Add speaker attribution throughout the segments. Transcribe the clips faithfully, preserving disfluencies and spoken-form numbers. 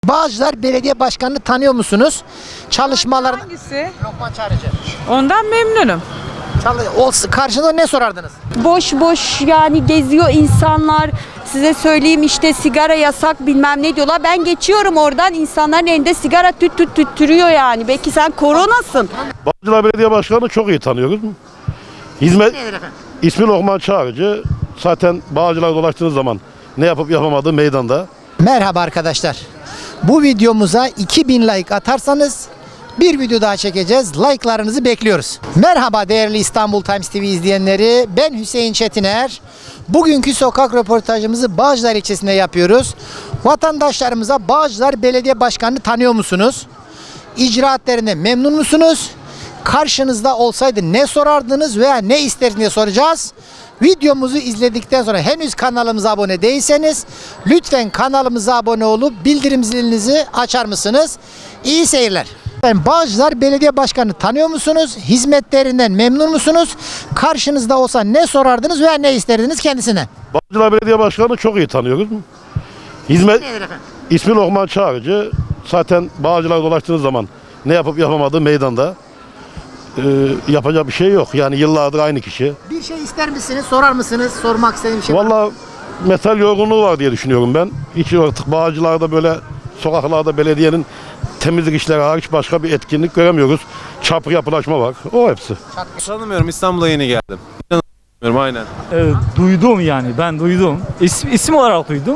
Speaker 1: Bağcılar Belediye Başkanı'nı tanıyor musunuz? Çalışmalar...
Speaker 2: Hangisi?
Speaker 1: Lokman Çağrıcı.
Speaker 2: Ondan memnunum.
Speaker 1: Çalı... Olsa, karşında ne sorardınız?
Speaker 3: Boş boş yani geziyor insanlar. Size söyleyeyim işte sigara yasak bilmem ne diyorlar. Ben geçiyorum oradan, insanların elinde sigara tüt tüt tüttürüyor yani. Belki sen koronasın.
Speaker 4: Bağcılar Belediye Başkanı'nı çok iyi tanıyoruz. Hizmet ismi Lokman Çağrıcı. Zaten Bağcılar dolaştığınız zaman ne yapıp yapamadığı meydanda.
Speaker 1: Merhaba arkadaşlar. Bu videomuza iki bin like atarsanız bir video daha çekeceğiz. Like'larınızı bekliyoruz. Merhaba değerli İstanbul Times T V izleyenleri. Ben Hüseyin Çetiner. Bugünkü sokak röportajımızı Bağcılar ilçesinde yapıyoruz. Vatandaşlarımıza Bağcılar Belediye Başkanı'nı tanıyor musunuz? İcraatlerine memnun musunuz? Karşınızda olsaydı ne sorardınız veya ne isterdiniz diye soracağız. Videomuzu izledikten sonra henüz kanalımıza abone değilseniz lütfen kanalımıza abone olup bildirim zilinizi açar mısınız? İyi seyirler. Ben Bağcılar Belediye Başkanı'nı tanıyor musunuz? Hizmetlerinden memnun musunuz? Karşınızda olsa ne sorardınız veya ne isterdiniz kendisine?
Speaker 4: Bağcılar Belediye Başkanı'nı çok iyi tanıyoruz. Hizmet ismi Lokman Çağrıcı. Zaten Bağcılar dolaştığınız zaman ne yapıp yapamadığı meydanda. Ee, yapacak bir şey yok. Yani yıllardır aynı kişi.
Speaker 1: Bir şey ister misiniz? Sorar mısınız? Sormak istediğim bir şey var mı?
Speaker 4: Vallahi metal yorgunluğu var diye düşünüyorum ben. Hiç artık Bağcılar'da böyle sokaklarda belediyenin temizlik işleri hariç başka bir etkinlik göremiyoruz. Çapı yapılaşma var. O hepsi.
Speaker 5: Tanımıyorum, İstanbul'a yeni geldim. Tanımıyorum aynen.
Speaker 6: Evet, duydum yani ben duydum. İsim, isim olarak duydum.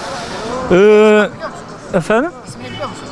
Speaker 6: Ee, efendim?
Speaker 1: İsmini biliyor musun?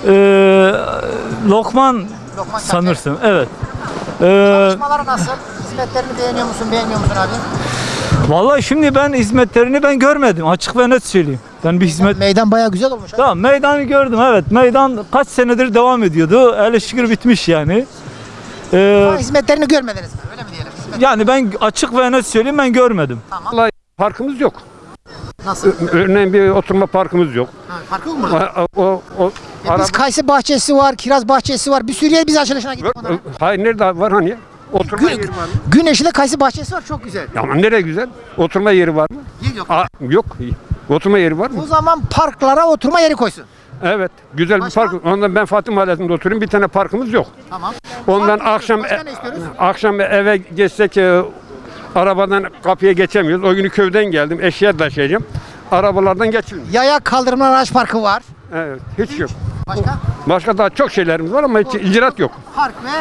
Speaker 6: Ee, Lokman
Speaker 1: Lokman Çağrıcı.
Speaker 6: sanırsın. Evet. Ee,
Speaker 1: Çalışmaları nasıl? Hizmetlerini beğeniyor musun? Beğenmiyor musun abi?
Speaker 6: vallahi şimdi ben hizmetlerini ben görmedim. Açık ve net söyleyeyim. Ben bir hizmet...
Speaker 1: Meydan bayağı güzel olmuş.
Speaker 6: Tamam, meydanı gördüm, evet. Meydan kaç senedir devam ediyordu. Hele şükür bitmiş yani. Ee,
Speaker 1: Ama hizmetlerini görmediniz mi? Öyle mi diyelim? Hizmet...
Speaker 6: yani ben açık ve net söyleyeyim, ben görmedim.
Speaker 7: Vallahi parkımız yok.
Speaker 1: Nasıl?
Speaker 7: Örneğin bir oturma parkımız yok.
Speaker 1: Ha, farkı yok mu burada?
Speaker 7: O, o, o
Speaker 1: Ya
Speaker 7: araba-
Speaker 1: biz kayısı bahçesi var, kiraz bahçesi var. Bir sürü yer biz açılışına gittik onlara.
Speaker 7: Hayır, nerede var hani? Oturma
Speaker 1: Gün,
Speaker 7: yeri var mı?
Speaker 1: Güneşli'de kayısı bahçesi var, çok güzel.
Speaker 7: Ya ama nereye güzel? Oturma yeri var mı?
Speaker 1: Yer yok.
Speaker 7: Aa, yok. Oturma yeri var
Speaker 1: O
Speaker 7: mı?
Speaker 1: zaman parklara oturma yeri koysun.
Speaker 7: Evet. Güzel
Speaker 1: Başka?
Speaker 7: bir park. Ondan ben Fatih Mahallesi'nde oturuyorum. Bir tane parkımız yok.
Speaker 1: Tamam.
Speaker 7: Ondan
Speaker 1: Park-
Speaker 7: akşam
Speaker 1: Başka ne istiyoruz?
Speaker 7: akşam eve geçsek e, arabadan kapıya geçemiyoruz. O günü köyden geldim. Eşya taşıyacağım. Arabalardan geçilmiyor.
Speaker 1: Yaya kaldırımlar araç parkı var.
Speaker 7: Evet. Hiç yok.
Speaker 1: Başka?
Speaker 7: Başka daha çok şeylerimiz var ama hiç icraat yok.
Speaker 1: Park ve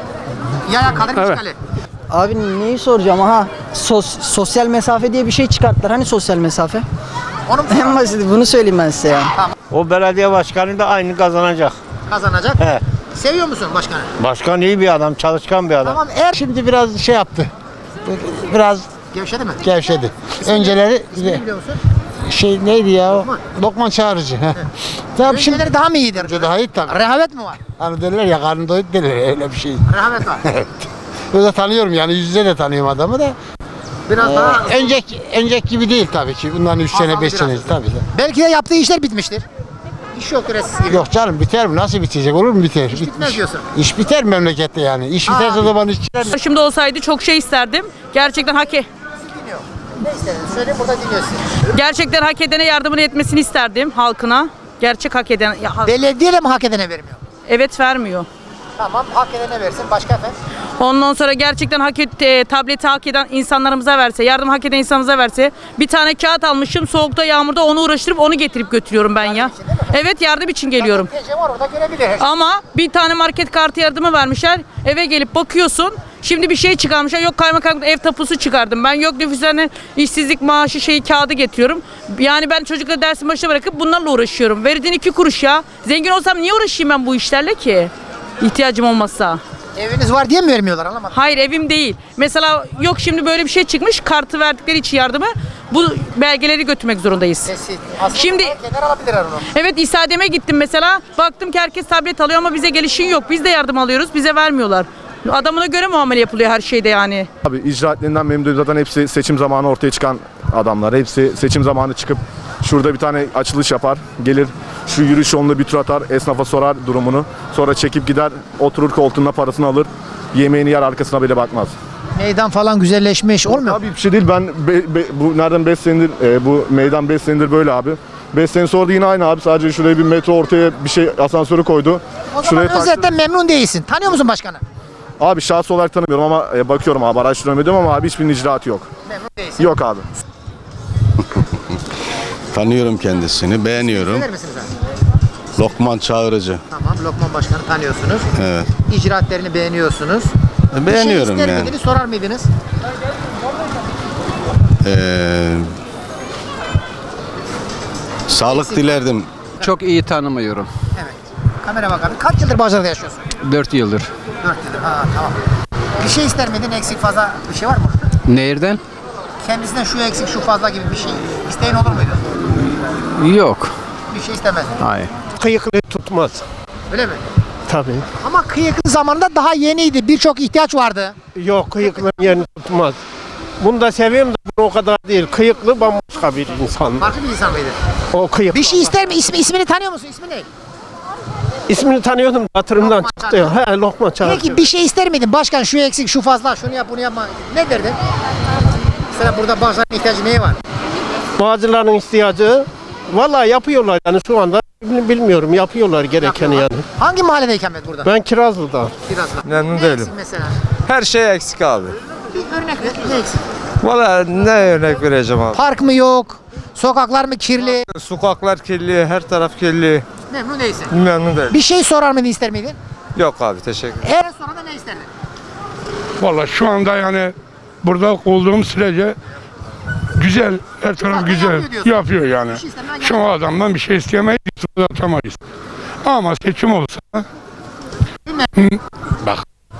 Speaker 1: yaya kaldırım
Speaker 7: Evet.
Speaker 1: işgali.
Speaker 8: Abi neyi soracağım, aha sos, sosyal mesafe diye bir şey çıkarttılar, hani sosyal mesafe?
Speaker 1: Onu mu
Speaker 8: En basiti bunu söyleyeyim ben size ya.
Speaker 9: O belediye başkanı da aynı kazanacak.
Speaker 1: kazanacak?
Speaker 9: He.
Speaker 1: Seviyor musun başkanı?
Speaker 9: Başkan iyi bir adam, çalışkan bir adam.
Speaker 1: Tamam, eğer
Speaker 10: Şimdi biraz şey yaptı. Biraz
Speaker 1: gevşedi mi?
Speaker 10: gevşedi. Önceleri
Speaker 1: İsmini biliyor musun?
Speaker 10: şey neydi ya?
Speaker 1: Lokman.
Speaker 10: Lokman Çağrıcı. He. Tabii şimdi
Speaker 1: Önceleri daha mı iyidir?
Speaker 10: önce daha iyi tabii.
Speaker 1: Rehavet mi var?
Speaker 10: Hani derler ya, karnı doyut derler, öyle bir şey.
Speaker 1: Rehavet var.
Speaker 10: Ben de tanıyorum yani, yüz yüze de tanıyorum adamı da.
Speaker 1: Biraz daha...
Speaker 10: Önceki, önceki gibi değil tabii ki. Bundan üç
Speaker 1: Azaldı
Speaker 10: sene, beş
Speaker 1: biraz.
Speaker 10: sene tabii de.
Speaker 1: Belki de yaptığı işler bitmiştir. İş yoktur eskisi gibi.
Speaker 10: Yok canım, biter mi? Nasıl bitecek? Olur mu biter?
Speaker 1: İş bitmez diyorsun.
Speaker 10: İş biter memlekette yani. İş biterse o zaman işçiler...
Speaker 2: Başımda olsaydı çok şey isterdim. Gerçekten hak e
Speaker 1: Ne istediniz? Söyle, burada dinliyorsun.
Speaker 2: gerçekten hak edene yardımını etmesini isterdim halkına. Gerçek hak eden ya, halk-
Speaker 1: Belediye de mi hak edene vermiyor?
Speaker 2: evet vermiyor.
Speaker 1: Tamam, hak edene versin. Başka efendim?
Speaker 2: Ondan sonra gerçekten hak et, e, tableti hak eden insanlarımıza verse, yardım hak eden insanımıza verse. Bir tane kağıt almışım, soğukta yağmurda onu uğraştırıp onu getirip götürüyorum ben ya. Evet, yardım için geliyorum.
Speaker 1: Gece var, orada görebilir her şey.
Speaker 2: Ama bir tane market kartı yardımı vermişler. Eve gelip bakıyorsun. Şimdi bir şey çıkarmışlar. Yok kaymakam ev tapusu çıkardım. Ben yok nüfuslarına işsizlik maaşı şeyi kağıdı getiriyorum. Yani ben çocukları dersin başına bırakıp bunlarla uğraşıyorum. Verdiğin iki kuruş ya. Zengin olsam niye uğraşayım ben bu işlerle ki? İhtiyacım olmazsa.
Speaker 1: Eviniz var diye mi vermiyorlar, anlamadım.
Speaker 2: Hayır, evim değil. Mesela yok şimdi böyle bir şey çıkmış. Kartı verdikleri için yardımı bu belgeleri götürmek zorundayız.
Speaker 1: Kesin. Aslında
Speaker 2: Şimdi-
Speaker 1: kenar alabilirler onu.
Speaker 2: Evet, İSADEM'e gittim mesela. Baktım ki herkes tablet alıyor ama bize gelişin yok. Biz de yardım alıyoruz. Bize vermiyorlar. Adamına göre muamele yapılıyor her şeyde yani.
Speaker 11: Abi icraatlerinden memnun değiliz. Zaten hepsi seçim zamanı ortaya çıkan adamlar. Hepsi seçim zamanı çıkıp şurada bir tane açılış yapar. Gelir şu yürüyüş yolunda bir tur atar. Esnafa sorar durumunu. Sonra çekip gider, oturur koltuğuna, parasını alır. Yemeğini yer, arkasına bile bakmaz.
Speaker 1: Meydan falan güzelleşmiş, olmuyor mu?
Speaker 11: Abi bir şey değil. Ben be- be- bu nereden beş senedir e, bu meydan beş senedir böyle abi. beş sene sonra da yine aynı abi. Sadece şuraya bir metro ortaya bir şey asansörü koydu.
Speaker 1: O zaman
Speaker 11: Şuraya taktı.
Speaker 1: özetle memnun değilsin. Tanıyor musun başkanı?
Speaker 11: Abi şahsı olarak tanımıyorum ama e, bakıyorum abi araştırıyorum ediyorum ama abi hiçbir icraatı yok.
Speaker 1: Memnun değilsin.
Speaker 11: Yok abi.
Speaker 12: Tanıyorum kendisini, beğeniyorum.
Speaker 1: Söyler misiniz abi?
Speaker 12: Lokman Çağrıcı.
Speaker 1: Tamam, Lokman Başkanı tanıyorsunuz.
Speaker 12: Evet.
Speaker 1: İcraatlerini beğeniyorsunuz.
Speaker 12: Beğeniyorum
Speaker 1: Bir şey ister
Speaker 12: yani.
Speaker 1: miydiniz, sorar mıydınız?
Speaker 12: Ee, sağlık dilerdim.
Speaker 7: Çok iyi tanımıyorum.
Speaker 1: Evet. Kamera bakalım. Kaç yıldır Bağcılar'da yaşıyorsun?
Speaker 7: dört yıldır.
Speaker 1: dört yıldır. Ha, tamam. Bir şey ister miydin? Eksik fazla bir şey var mı?
Speaker 7: Nereden?
Speaker 1: Kendisinden şu eksik, şu fazla gibi bir şey isteğin olur muydu?
Speaker 7: Yok.
Speaker 1: Bir şey istemez.
Speaker 7: Hayır.
Speaker 9: Kıyıklı tutmaz.
Speaker 1: Öyle mi?
Speaker 9: Tabii.
Speaker 1: Ama kıyıklı zamanında daha yeniydi. Birçok ihtiyaç vardı.
Speaker 9: Yok kıyıklı yerini tutmaz. Bunu da seviyorum da bunu o kadar değil. Kıyıklı bambaşka bir insan.
Speaker 1: Farklı bir insan mıydı?
Speaker 9: O kıyıklı.
Speaker 1: Bir şey ister mi? İsmi, ismini tanıyor musun? İsmi ne?
Speaker 9: İsmini tanıyordum hatırımdan
Speaker 1: Lokman
Speaker 9: çıktı.
Speaker 1: Çağrı.
Speaker 9: He Lokman Çağrı.
Speaker 1: Peki bir şey ister miydin? Başkan şu eksik, şu fazla, şunu yap, bunu yapma. Ne derdin? Mesela burada Bağcılar'ın ihtiyacı neye var?
Speaker 9: Bağcıların ihtiyacı vallahi yapıyorlar yani şu anda bilmiyorum yapıyorlar gerekeni yani.
Speaker 1: Hangi mahallede ikamet burada?
Speaker 9: Ben Kirazlı'da.
Speaker 1: Kiraz'da.
Speaker 5: Memnun
Speaker 1: Ne
Speaker 5: değilim.
Speaker 1: eksik mesela?
Speaker 5: Her şey eksik abi.
Speaker 1: Bir örnek ver. Ne eksik?
Speaker 5: Valla ne örnek vereceğim abi?
Speaker 1: Park mı yok? Sokaklar mı kirli?
Speaker 5: Sokaklar kirli, her taraf kirli.
Speaker 1: Memnun değilsin.
Speaker 5: Memnun değilim.
Speaker 1: Bir şey sorar mıydın, ister miydin?
Speaker 5: Yok abi, teşekkür ederim.
Speaker 1: Eğer sonra da ne isterdin?
Speaker 13: Valla şu anda yani burada olduğum sürece güzel, her taraf
Speaker 1: Zaten
Speaker 13: güzel
Speaker 1: yapıyor diyorsun.
Speaker 13: yapıyor yani.
Speaker 1: Bir şey istemeden
Speaker 13: Şu adamdan bir şey isteyemeyiz, istifa atamayız. Ama seçim olsa, Hı, bak,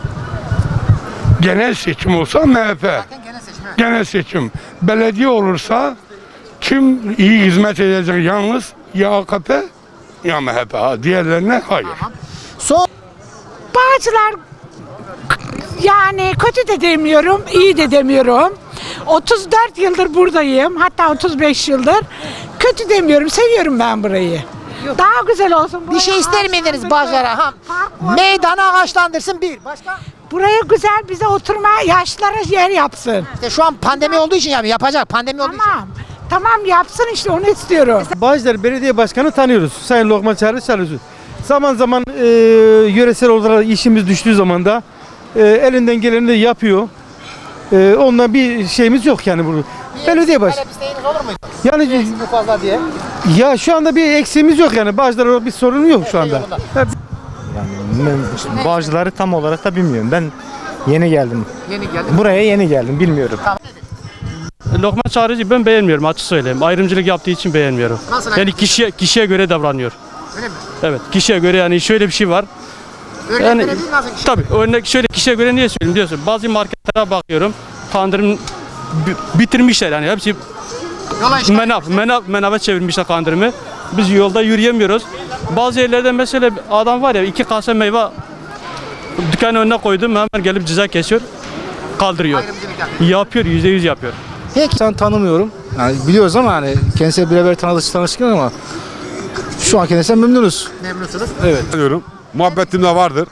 Speaker 13: genel seçim olsa M H P,
Speaker 1: Zaten genel seçim. evet.
Speaker 13: genel seçim. Belediye olursa kim iyi hizmet edecek yalnız ya A K P ya M H P. Ha, diğerlerine hayır.
Speaker 1: Son
Speaker 2: Bağcılar yani kötü de demiyorum, iyi de demiyorum. otuz dört yıldır buradayım, hatta otuz beş yıldır. Kötü demiyorum, seviyorum ben burayı. Daha güzel olsun.
Speaker 1: bir şey ister miydiniz Bağcılar'a? Ha, meydanı ağaçlandırsın bir. Başka?
Speaker 2: Buraya güzel bize oturma, yaşlara yer yapsın.
Speaker 1: İşte şu an pandemi olduğu için yani yapacak. Pandemi olduğu için.
Speaker 2: Tamam. Tamam yapsın işte onu istiyorum.
Speaker 9: Bağcılar Belediye Başkanı tanıyoruz. Sayın Lokman Çağrı çalışıyor. Zaman zaman e, yöresel olarak işimiz düştüğü zaman da e, elinden geleni de yapıyor. E, ondan bir şeyimiz yok yani burada. Belediye baş.
Speaker 1: Talep isteğiniz olur muydu?
Speaker 9: Yani
Speaker 1: Eksik bu fazla diye.
Speaker 9: ya şu anda bir eksiğimiz yok yani. Bağcılar olarak bir sorun yok şu anda.
Speaker 1: yolunda.
Speaker 9: Hep-
Speaker 6: Bağcıları tam olarak da bilmiyorum. Ben yeni geldim.
Speaker 1: Yeni geldi.
Speaker 6: Buraya yeni geldim. Bilmiyorum.
Speaker 7: Lokman Çağrıcı ben beğenmiyorum açık söyleyeyim. Ayrımcılık yaptığı için beğenmiyorum.
Speaker 1: Nasıl
Speaker 7: Yani
Speaker 1: ayrımcılık?
Speaker 7: kişiye kişiye göre davranıyor.
Speaker 1: Öyle mi?
Speaker 7: Evet, kişiye göre yani şöyle bir şey var.
Speaker 1: Örnek
Speaker 7: Yani
Speaker 1: verebilir nasıl bir şey?
Speaker 7: tabii örnek şöyle kişiye göre niye söyleyeyim diyorsun. Bazı marketlere bakıyorum. Kandırım bi- bitirmişler yani hepsi
Speaker 1: Yola işgal
Speaker 7: menaf, menaf, menava çevirmişler kandırımı. Biz yolda yürüyemiyoruz. Bazı yerlerde mesela adam var ya iki kase meyve dükkanın önüne koydum hemen gelip ceza kesiyor. Kaldırıyor.
Speaker 1: Ayrımcılık yapıyor.
Speaker 7: Yapıyor, yüzde yüz yapıyor.
Speaker 1: Peki.
Speaker 6: Sen tanımıyorum. Yani biliyoruz ama hani kendisiyle birebir tanıştık tanıştık ama şu an kendisinden memnunuz.
Speaker 1: Memnunsunuz.
Speaker 11: Diyorum. Muhabbetim de vardır.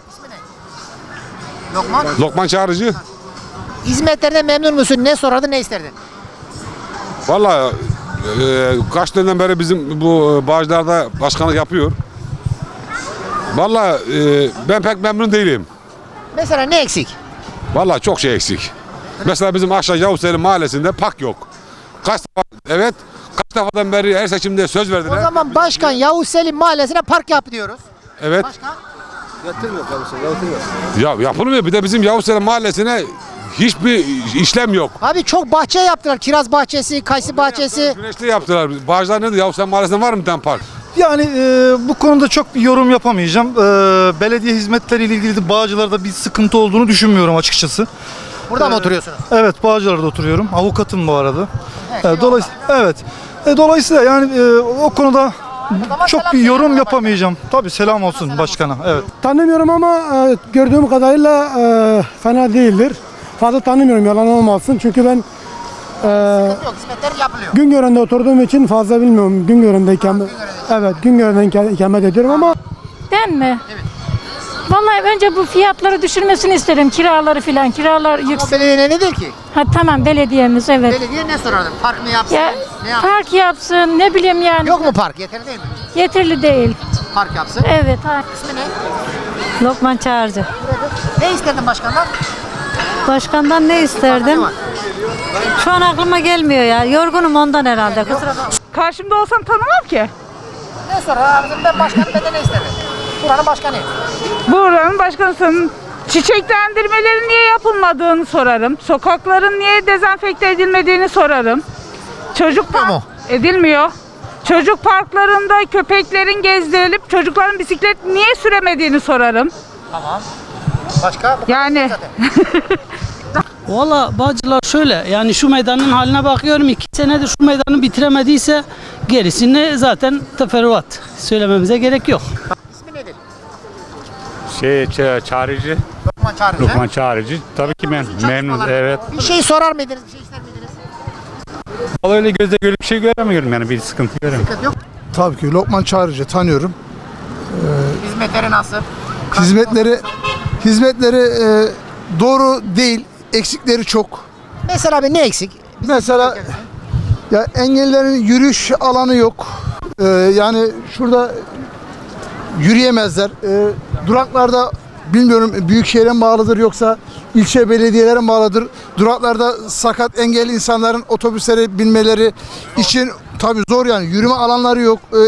Speaker 1: Lokman.
Speaker 11: Lokman Çağrıcı.
Speaker 1: Hizmetlerden memnun musun? Ne sorardın, ne isterdin?
Speaker 11: Valla kaç dönemden beri bizim bu Bağcılar'da başkanlık yapıyor. Valla ben pek memnun değilim.
Speaker 1: Mesela ne eksik?
Speaker 11: Valla çok şey eksik. Mesela bizim aşağı Yavuz Selim mahallesinde park yok. Kaç defa, evet kaç defadan beri her seçimde söz
Speaker 1: O
Speaker 11: verdiler.
Speaker 1: zaman başkan Yavuz Selim Mahallesi'ne park yap diyoruz.
Speaker 11: Evet.
Speaker 1: Başka?
Speaker 11: Ya yapılmıyor. Bir de bizim Yavuz Selim mahallesine hiçbir işlem yok.
Speaker 1: Abi çok bahçe yaptılar. Kiraz bahçesi, kayısı bahçesi.
Speaker 11: Güneşli yaptılar. Bağcılar nedir? Yavuz Selim mahallesinde var mı bir tane park?
Speaker 6: Yani e, bu konuda çok bir yorum yapamayacağım. E, belediye hizmetleriyle ilgili de Bağcılar'da bir sıkıntı olduğunu düşünmüyorum açıkçası.
Speaker 1: Burada mı oturuyorsunuz?
Speaker 6: Evet, Bağcılar'da oturuyorum. Avukatım bu arada.
Speaker 1: Evet,
Speaker 6: E, dolayısıyla evet. E, dolayısıyla yani e, o konuda
Speaker 1: zaman
Speaker 6: çok
Speaker 1: selam
Speaker 6: bir yorum
Speaker 1: söyle
Speaker 6: yapamayacağım. Tabii selam olsun başkana. Evet.
Speaker 9: Tanımıyorum ama e, gördüğüm kadarıyla e, fena değildir. Fazla tanımıyorum yalan olmasın çünkü ben e,
Speaker 1: Yok, hizmetler yapılıyor.
Speaker 9: Güngören'de oturduğum için fazla bilmiyorum. Güngören'de ikamet, evet Güngören'de ikamet ediyorum ama
Speaker 3: Ben mi?
Speaker 14: Vallahi önce bu fiyatları düşürmesini isterim. Kiraları filan. Kiralar
Speaker 1: Ama
Speaker 14: yüksek.
Speaker 1: belediye ne nedir ki?
Speaker 14: Ha tamam belediyemiz evet.
Speaker 1: Belediye ne sorardım? Park mı yapsın?
Speaker 14: Ya
Speaker 1: ne yapsın?
Speaker 14: park yapsın ne bileyim yani.
Speaker 1: Yok mu park? Yeterli değil mi?
Speaker 14: Yeterli değil.
Speaker 1: Park yapsın.
Speaker 14: Evet. Ha.
Speaker 1: İsmi ne?
Speaker 15: Lokman Çağrıcı.
Speaker 1: Ne istedin başkandan?
Speaker 15: Başkandan ne isterdim? Şu an aklıma gelmiyor ya. Yorgunum ondan herhalde. Kusura bakma.
Speaker 2: Karşımda olsam tanımam ki.
Speaker 1: Ne sorar abicim? Ben başkanım, benden ne istedim? Buranın başkanıyım.
Speaker 2: Buranın başkanısının çiçeklendirmelerin niye yapılmadığını sorarım. Sokakların niye dezenfekte edilmediğini sorarım. Çocuk park
Speaker 1: mu?
Speaker 2: edilmiyor. Çocuk parklarında köpeklerin gezdirilip çocukların bisiklet niye süremediğini sorarım.
Speaker 1: Tamam. Başka? Bu
Speaker 2: Yani
Speaker 16: Valla Bağcılar şöyle yani şu meydanın haline bakıyorum iki senedir şu meydanı bitiremediyse gerisini zaten teferruat söylememize gerek yok.
Speaker 1: İsmi nedir?
Speaker 17: Şey, ç- çağrıcı.
Speaker 1: Lokman Çağrıcı.
Speaker 17: Lokman Çağrıcı. Tabii ki ben memnun. Evet.
Speaker 1: Bir şey sorar mıydınız? Bir şey ister miydiniz?
Speaker 17: Vallahi öyle gözle görüp bir şey göremiyorum yani bir sıkıntı göremiyorum.
Speaker 1: Sıkıntı yok.
Speaker 6: Tabii ki Lokman Çağrıcı tanıyorum.
Speaker 1: Hizmetleri nasıl?
Speaker 6: Hizmetleri hizmetleri e, doğru değil, eksikleri çok.
Speaker 1: Mesela abi ne eksik?
Speaker 6: Mesela ya engellilerin yürüyüş alanı yok. Ee, yani şurada yürüyemezler. Ee, duraklarda bilmiyorum büyükşehir'e mi bağlıdır yoksa ilçe belediyelere mi bağlıdır. Duraklarda sakat engelli insanların otobüslere binmeleri için tabii zor yani. Yürüme alanları yok. Ee,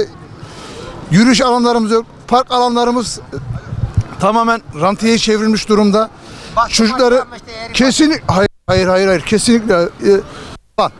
Speaker 6: yürüyüş alanlarımız yok. Park alanlarımız e, tamamen rantiyeye çevrilmiş durumda.
Speaker 1: Bahçe
Speaker 6: Çocukları
Speaker 1: bahçe işte, eğri
Speaker 6: kesin hayır hayır hayır hayır kesinlikle e, lan.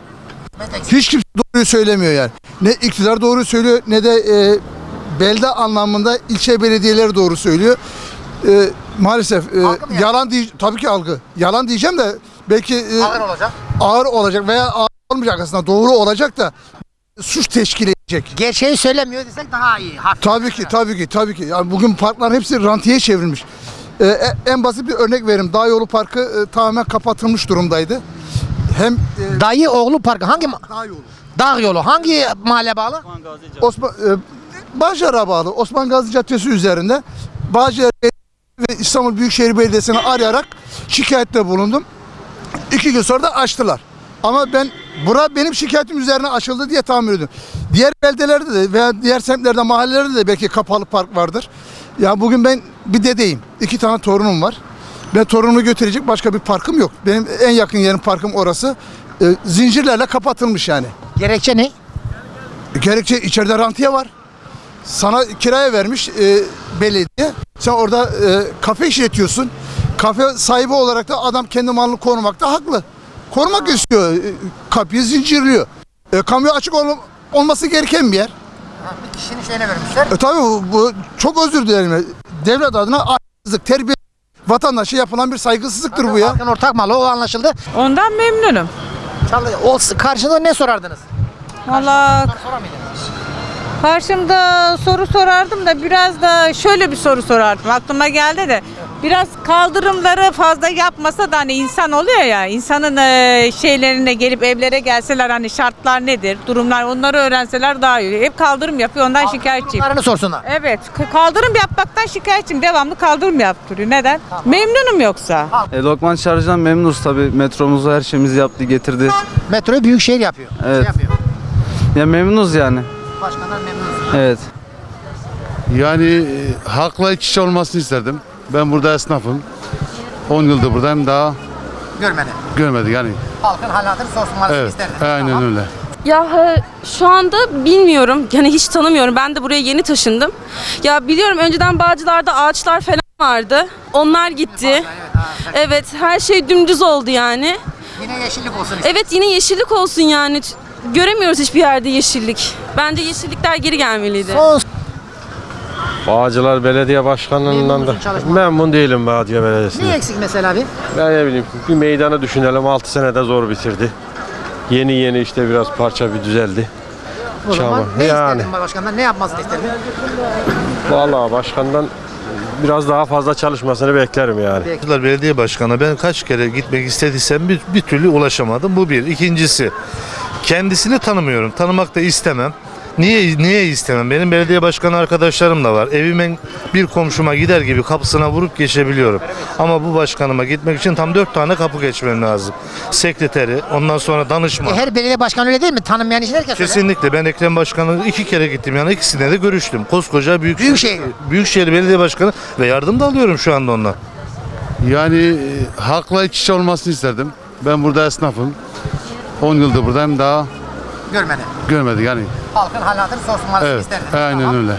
Speaker 6: Hiç kimse doğruyu söylemiyor yani. Ne iktidar doğru söylüyor ne de e, belde anlamında ilçe belediyeleri doğru söylüyor. E, maalesef e, yalan diye tabii ki algı. Yalan diyeceğim de belki e,
Speaker 1: ağır olacak.
Speaker 6: ağır olacak veya ağır olmayacak aslında doğru olacak da suç teşkil edecek.
Speaker 1: Gerçeği söylemiyor desek daha iyi. Hafif.
Speaker 6: Tabii ki tabii ki tabii ki. Yani bugün parkların hepsi rantiye çevrilmiş. Ee, en basit bir örnek vereyim. Dağ Yolu Parkı e, tamamen kapatılmış durumdaydı. Hem e,
Speaker 1: Dayı oğlu parkı hangi ma-
Speaker 6: Dağ Yolu.
Speaker 1: Dağ yolu hangi mahalle bağlı?
Speaker 6: Osman e, Bağcılar'a bağlı Osman Gazi Caddesi üzerinde Bağcılar ve İstanbul Büyükşehir Belediyesi'ni arayarak şikayette bulundum. İki gün sonra da açtılar. Ama ben bura benim şikayetim üzerine açıldı diye tahmin ediyorum. Diğer beldelerde de veya diğer semtlerde, mahallelerde de belki kapalı park vardır. Ya bugün ben bir dedeyim. İki tane torunum var. Ben torunumu götürecek başka bir parkım yok. Benim en yakın yerim parkım orası. E, zincirlerle kapatılmış yani.
Speaker 1: Gerekçe ne?
Speaker 6: E, gerekçe içeride rantiye var. Sana kiraya vermiş e, belediye. Sen orada e, kafe işletiyorsun. Kafe sahibi olarak da adam kendi malını korumakta haklı. Korumak istiyor. E, kapıyı zincirliyor. E, kamuya açık ol- olması gereken bir yer.
Speaker 1: Ha, bir kişinin şeyine vermişler.
Speaker 6: E, tabii bu, bu çok özür dilerim. Devlet adına ahlaksızlık, terbiye vatandaşa yapılan bir saygısızlıktır bu ya.
Speaker 1: Parkın ortak malı o anlaşıldı.
Speaker 2: ondan memnunum.
Speaker 1: Çalı, o karşında ne sorardınız?
Speaker 15: Valla
Speaker 1: Sorar mıydınız?
Speaker 15: karşımda soru sorardım da biraz da şöyle bir soru sorardım. Aklıma geldi de biraz kaldırımları fazla yapmasa da hani insan oluyor ya insanın e, şeylerine gelip evlere gelseler hani şartlar nedir, durumlar onları öğrenseler daha iyi. Hep kaldırım yapıyor ondan şikayetçiyim.
Speaker 1: Bunlarını sorsunlar.
Speaker 15: Evet k- kaldırım yapmaktan şikayetçiyim. Devamlı kaldırım yaptırıyor. Neden? Memnunum yoksa.
Speaker 18: E, Lokman Çağrı'dan memnunuz tabii. Metromuzu her şeyimizi yaptı, getirdi.
Speaker 1: Metroyu büyükşehir yapıyor.
Speaker 18: Evet.
Speaker 1: Şey yapıyor.
Speaker 18: Ya memnunuz yani.
Speaker 1: Başkanlar memnun.
Speaker 18: Evet.
Speaker 12: Yani e, halkla iç içe olmasını isterdim. Ben burada esnafım. on yıldır buradayım, daha
Speaker 1: Görmedi.
Speaker 12: görmedik yani.
Speaker 1: Halkın halatını sorsunlar
Speaker 12: Evet,
Speaker 1: isterdiniz.
Speaker 12: aynen
Speaker 1: Tamam.
Speaker 12: öyle.
Speaker 19: Ya e, şu anda bilmiyorum yani hiç tanımıyorum. Ben de buraya yeni taşındım. Ya biliyorum önceden Bağcılar'da ağaçlar falan vardı. Onlar gitti. Evet her şey dümdüz oldu yani.
Speaker 1: Yine yeşillik olsun.
Speaker 19: Evet yine yeşillik olsun yani. Ç- Göremiyoruz hiçbir yerde yeşillik. Bence yeşillikler geri gelmeliydi.
Speaker 1: Son
Speaker 5: Bağcılar Belediye Başkanlığından
Speaker 1: Memnun
Speaker 5: da
Speaker 1: musun çalışmadan?
Speaker 5: memnun değilim Bağcılar Belediyesi'nden.
Speaker 1: ne eksik mesela abi?
Speaker 5: Ben ne bileyim bir meydanı düşünelim altı senede zor bitirdi. Yeni yeni işte biraz parça bir düzeldi.
Speaker 1: O zaman
Speaker 5: Çaba.
Speaker 1: ne
Speaker 5: Yani.
Speaker 1: isterdin başkandan? Ne yapmasını isterdin?
Speaker 5: Vallahi başkandan biraz daha fazla çalışmasını beklerim yani.
Speaker 17: Bağcılar Belediye Başkanı ben kaç kere gitmek istediysem bir, bir türlü ulaşamadım. Bu bir. İkincisi kendisini tanımıyorum. Tanımak da istemem.
Speaker 20: Niye niye istemem? Benim belediye başkanı arkadaşlarım da var. Evimin bir komşuma gider gibi kapısına vurup geçebiliyorum. Ama bu başkanıma gitmek için tam dört tane kapı geçmem lazım. Sekreteri, ondan sonra danışman.
Speaker 1: E, her belediye başkanı öyle değil mi? Tanınmayan için herkes öyle.
Speaker 20: Kesinlikle. Ben Ekrem Başkanı iki kere gittim. Yani ikisine de görüştüm. Koskoca büyük
Speaker 1: Büyükşehir.
Speaker 20: Büyükşehir Belediye Başkanı ve yardım da alıyorum şu anda ondan.
Speaker 12: Yani e, halkla iç içe olmasını isterdim. Ben burada esnafım. on yıldır buradayım, daha
Speaker 1: Görmedi.
Speaker 12: görmedik yani.
Speaker 1: Halkın hal hatırı sorsunlar
Speaker 12: Evet,
Speaker 1: isterdiniz.
Speaker 12: aynen
Speaker 1: Tamam.
Speaker 12: öyle.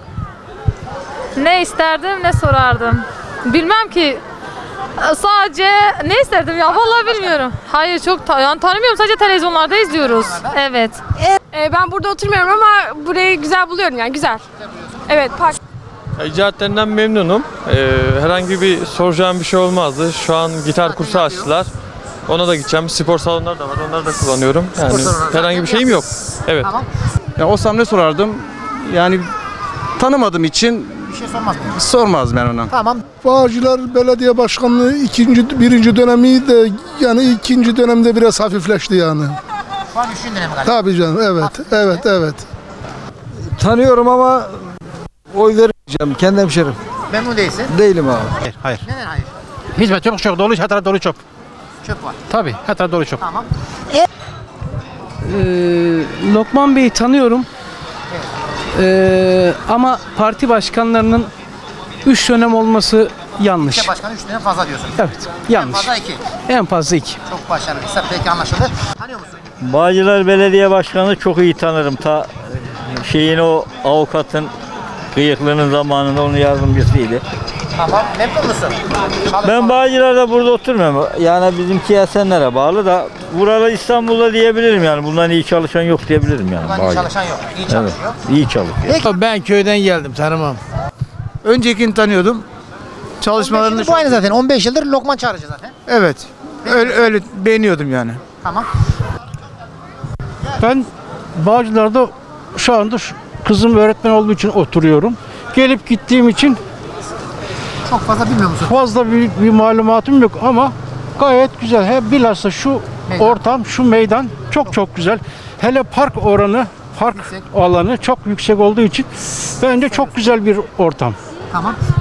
Speaker 14: Ne isterdim ne sorardım. Bilmem ki. Sadece ne isterdim ya vallahi bilmiyorum. Hayır çok ta- yani tanımıyorum, sadece televizyonlarda izliyoruz. Evet.
Speaker 19: ben burada oturmuyorum ama burayı güzel buluyorum yani güzel. Evet park.
Speaker 5: İcraatlerinden memnunum. Ee, herhangi bir soracağım bir şey olmazdı. Şu an gitar kursu açtılar. Ona da gideceğim. Spor salonları da var. Onları da kullanıyorum. Yani herhangi bir şeyim yok. Evet.
Speaker 17: Ya olsam ne sorardım? Yani tanımadığım için
Speaker 1: Bir şey sormaz mı?
Speaker 17: sormazdım ben ona.
Speaker 1: Tamam.
Speaker 6: Bağcılar Belediye Başkanlığı ikinci, birinci dönemi de yani ikinci dönemde biraz hafifleşti yani.
Speaker 1: Şu an üçüncü dönemi galiba.
Speaker 6: Tabii canım, evet, evet, evet.
Speaker 17: Tanıyorum ama oy vermeyeceğim. Kendi hemşerim.
Speaker 1: Memnun değilsin.
Speaker 17: Değilim abi.
Speaker 9: Hayır, hayır.
Speaker 1: Neden hayır?
Speaker 9: Hizmet yok, çok dolu, her taraf dolu çöp.
Speaker 1: Çöp var.
Speaker 9: Tabii, her taraf dolu çöp.
Speaker 1: Tamam.
Speaker 16: Lokman Bey'i tanıyorum. Ee, ama parti başkanlarının üç dönem olması yanlış.
Speaker 1: İlçe başkanı üç dönem fazla diyorsun.
Speaker 16: Evet,
Speaker 1: En
Speaker 16: yanlış.
Speaker 1: fazla iki.
Speaker 16: En fazla iki.
Speaker 1: Çok başarılıysa peki anlaşıldı. Tanıyor musun?
Speaker 21: Bağcılar Belediye Başkanı çok iyi tanırım. Ta şeyin o avukatın kıyıklığının zamanında onun yardımcısıydı.
Speaker 1: Tamam. Memnun musun?
Speaker 21: Ben Bağcılar'da burada oturmuyorum. Yani bizimki Esenler'e bağlı da buralı İstanbul'da diyebilirim yani. Bundan iyi çalışan yok diyebilirim yani.
Speaker 1: Buradan iyi
Speaker 21: Bağcılar.
Speaker 1: çalışan yok. İyi çalışıyor.
Speaker 21: Evet, iyi çalışıyor.
Speaker 17: Ben köyden geldim, tanımam. Öncekini tanıyordum. Çalışmalarını
Speaker 1: Şimdi bu aynı zaten. on beş yıldır Lokman Çağrıcı zaten.
Speaker 17: Evet. Öyle, öyle beğeniyordum yani.
Speaker 1: Tamam.
Speaker 9: Ben Bağcılar'da şu anda şu- kızım öğretmen olduğu için oturuyorum. Gelip gittiğim için
Speaker 1: Çok fazla bilmiyor musun?
Speaker 9: fazla bir, bir malumatım yok ama gayet güzel. He, bilhassa şu
Speaker 1: Meydan.
Speaker 9: ortam, şu meydan çok çok güzel. Hele park oranı, park alanı çok yüksek olduğu için bence çok güzel bir ortam.
Speaker 1: Tamam.